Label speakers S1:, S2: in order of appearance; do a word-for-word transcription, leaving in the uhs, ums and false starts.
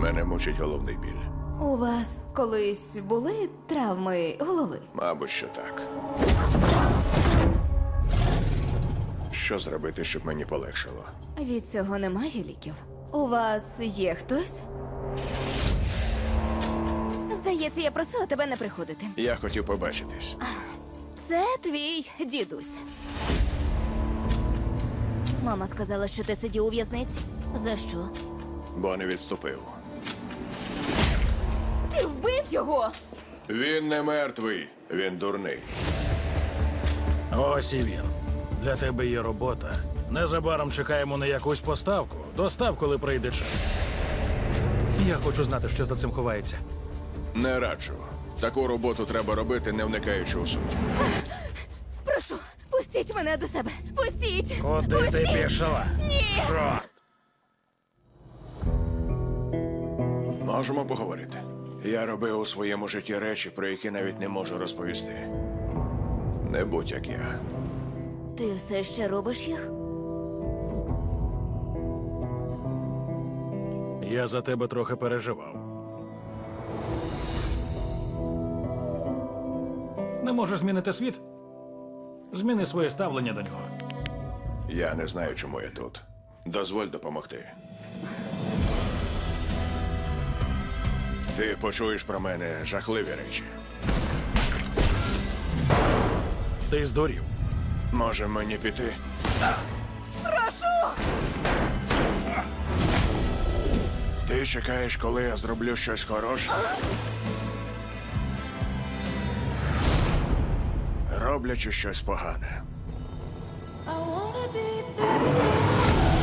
S1: Мене мучить головний біль.
S2: У вас колись були травми голови?
S1: Мабуть, що так. Що зробити, щоб мені полегшало?
S2: Від цього немає ліків. У вас є хтось? Здається, я просила тебе не приходити.
S1: Я хотів побачитись.
S2: Це твій дідусь. Мама сказала, що ти сидів у в'язниці. За що?
S1: Бо не відступив.
S2: Ти вбив його!
S1: Він не мертвий, він дурний.
S3: Ось і він. Для тебе є робота. Незабаром чекаємо на якусь поставку. Достав, коли прийде час. Я хочу знати, що за цим ховається.
S1: Не раджу. Таку роботу треба робити, не вникаючи у суть.
S2: Прошу, пустіть мене до себе! Пустіть!
S3: Куди
S2: пустіть!
S3: ти пішла?
S2: Ні!
S3: Чорт!
S1: Можемо поговорити. Я робив у своєму житті речі, про які навіть не можу розповісти. Не будь як я.
S2: Ти все ще робиш їх?
S3: Я за тебе трохи переживав. Не можеш змінити світ? Зміни своє ставлення до нього.
S1: Я не знаю, чому я тут. Дозволь допомогти. Ти почуєш про мене жахливі речі.
S3: Ти здурів.
S1: Може мені піти?
S2: Прошу!
S1: Ти чекаєш, коли я зроблю щось хороше? Роблячи щось погане.
S2: I wanna be back.